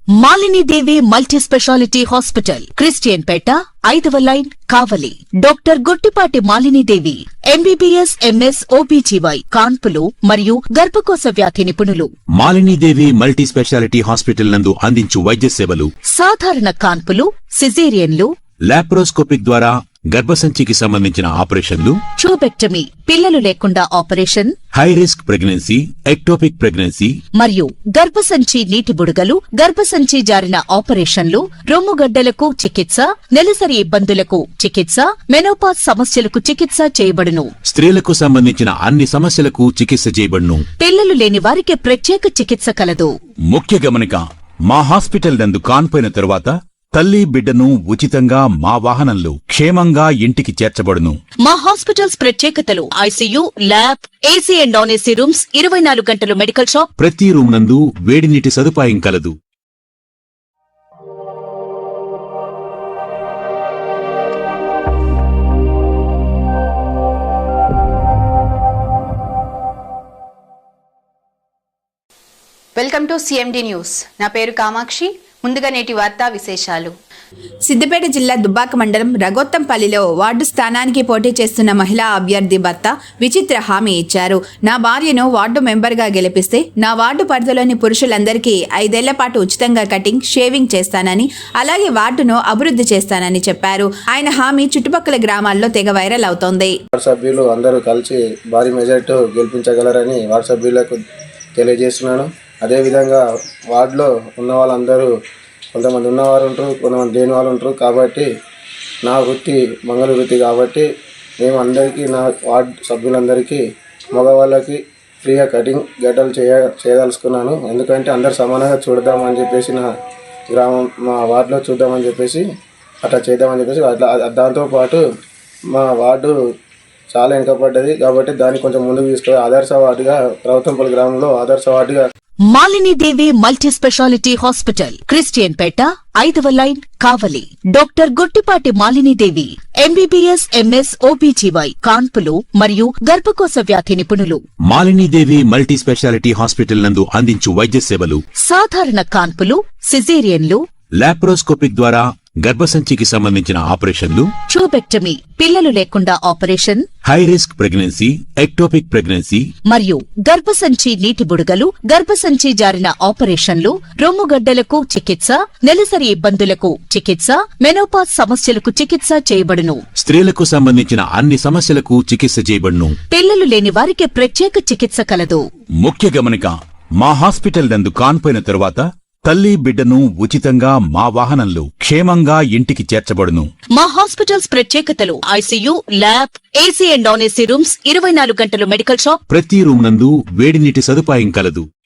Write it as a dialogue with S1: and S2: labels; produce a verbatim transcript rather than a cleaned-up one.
S1: Malini Devi multi speciality hospital, Christian Peta, ఐదవ line, Kavali. Doctor Guttipati Malini Devi, MBBS, MS, OBGY, కాన్పులు మరియు గర్భకోశ వ్యాధి నిపుణులు.
S2: Malini Devi multi speciality hospital నందు అందించు వైద్య సేవలు:
S1: సాధారణ కాన్పులు, సిజేరియన్లు,
S2: లాప్రోస్కోపిక్ ద్వారా గర్భసంచికి సంబంధించిన ఆపరేషన్లు,
S1: ట్యూబెక్టమీ, పిల్లలు లేకుండా operation,
S2: high risk pregnancy, ectopic pregnancy
S1: మరియు గర్భసంచి నీటి బుడగలు, గర్భసంచి జారిన ఆపరేషన్లు, రొమ్ముగడ్డలకు చికిత్స, నెలసరి ఇబ్బందులకు చికిత్స, మెనోపాజ్ సమస్యలకు చికిత్స చేయబడును.
S2: స్త్రీలకు సంబంధించిన అన్ని సమస్యలకు చికిత్స చేయబడును.
S1: పిల్లలు లేని వారికి ప్రత్యేక చికిత్స కలదు.
S2: ముఖ్య గమనిక: మా హాస్పిటల్ నందు కాన్పోయిన తరువాత తల్లి బిడ్డను ఉచితంగా మా వాహనంలో క్షేమంగా ఇంటికి చేర్చబడును.
S1: మా హాస్పిటల్స్ ప్రత్యేకతలు: ICU, lab, AC and non AC rooms, ఇరవై నాలుగు గంటలు మెడికల్ షాప్,
S2: ప్రతి రూమ్ నందు వేడి నీటి సదుపాయం కలదు.
S3: Welcome to CMD news. నా పేరు కామాక్షి. ముందుగా నేటి వార్తా విశేషాలు.
S4: సిద్దిపేట జిల్లా దుబ్బాక మండలం రగొత్తంపల్లిలో వార్డు స్థానానికి పోటీ చేస్తున్న మహిళా అభ్యర్థి భర్త విచిత్ర హామీ ఇచ్చారు. నా భార్యను వార్డు మెంబర్గా గెలిపిస్తే నా వార్డు పరిధిలోని పురుషులందరికీ ఐదేళ్ల పాటు ఉచితంగా కటింగ్, షేవింగ్ చేస్తానని, అలాగే వార్డును అభివృద్ధి చేస్తానని చెప్పారు. ఆయన హామీ చుట్టుపక్కల గ్రామాల్లో తెగ వైరల్ అవుతోంది.
S5: వార్డు సభ్యులు అందరూ కలిసి భారీ మెజార్టీ గెలిపించగలరని వార్డు సభ్యులకు తెలియజేస్తున్నాను. అదేవిధంగా వార్డులో ఉన్న వాళ్ళందరూ కొంతమంది ఉన్నవారు ఉంటారు, కొంతమంది లేని వాళ్ళు ఉంటారు. కాబట్టి నా వృత్తి మంగళ వృత్తి కాబట్టి మేము అందరికీ, నా వార్డు సభ్యులందరికీ, మగవాళ్ళకి ఫ్రీగా కటింగ్ గడ్డలు చేయ చేయదలుచుకున్నాను. ఎందుకంటే అందరు సమానంగా చూడదామని చెప్పేసి, నా గ్రామం మా వార్డులో చూద్దామని చెప్పేసి అట్లా చేద్దామని చెప్పేసి అట్లా దాంతోపాటు మా వార్డు చాలా వెనుకబడ్డది కాబట్టి దాన్ని కొంచెం ముందుకు తీసుకొని ఆదర్శ వార్డుగా రౌతంపల్లి గ్రామంలో ఆదర్శ వార్డుగా
S1: Malini Devi multi speciality hospital, Christian Peta, ఐదవ line, Kavali. Doctor Guttipati Malini Devi, MBBS, MS, OBGY, కాన్పులు మరియు గర్భకోశ వ్యాధి నిపుణులు.
S2: Malini Devi multi speciality hospital నందు అందించు వైద్య సేవలు:
S1: సాధారణ కాన్పులు, సిజేరియన్లు,
S2: లాప్రోస్కోపిక్ ద్వారా గర్భసంచికి సంబంధించిన ఆపరేషన్లు,
S1: ట్యూబెక్టమీ, పిల్లలు లేకుండా operation,
S2: high risk pregnancy, ectopic pregnancy
S1: మరియు గర్భసంచి నీటి బుడగలు, గర్భసంచి జారిన ఆపరేషన్లు, రొమ్ముగడ్డలకు చికిత్స, నెలసరి ఇబ్బందులకు చికిత్స, మెనోపాజ్ సమస్యలకు చికిత్స చేయబడును.
S2: స్త్రీలకు సంబంధించిన అన్ని సమస్యలకు చికిత్స చేయబడును.
S1: పిల్లలు లేని వారికి ప్రత్యేక చికిత్స కలదు.
S2: ముఖ్య గమనిక: మా హాస్పిటల్ నందు కాన్పోయిన తరువాత తల్లి బిడ్డను ఉచితంగా మా వాహనంలో క్షేమంగా ఇంటికి చేర్చబడును.
S1: మా హాస్పిటల్స్ ప్రత్యేకతలు: ICU, lab, AC and non AC rooms, ఇరవై నాలుగు గంటలు మెడికల్ షాప్,
S2: ప్రతి రూమ్ నందు వేడి నీటి సదుపాయం కలదు.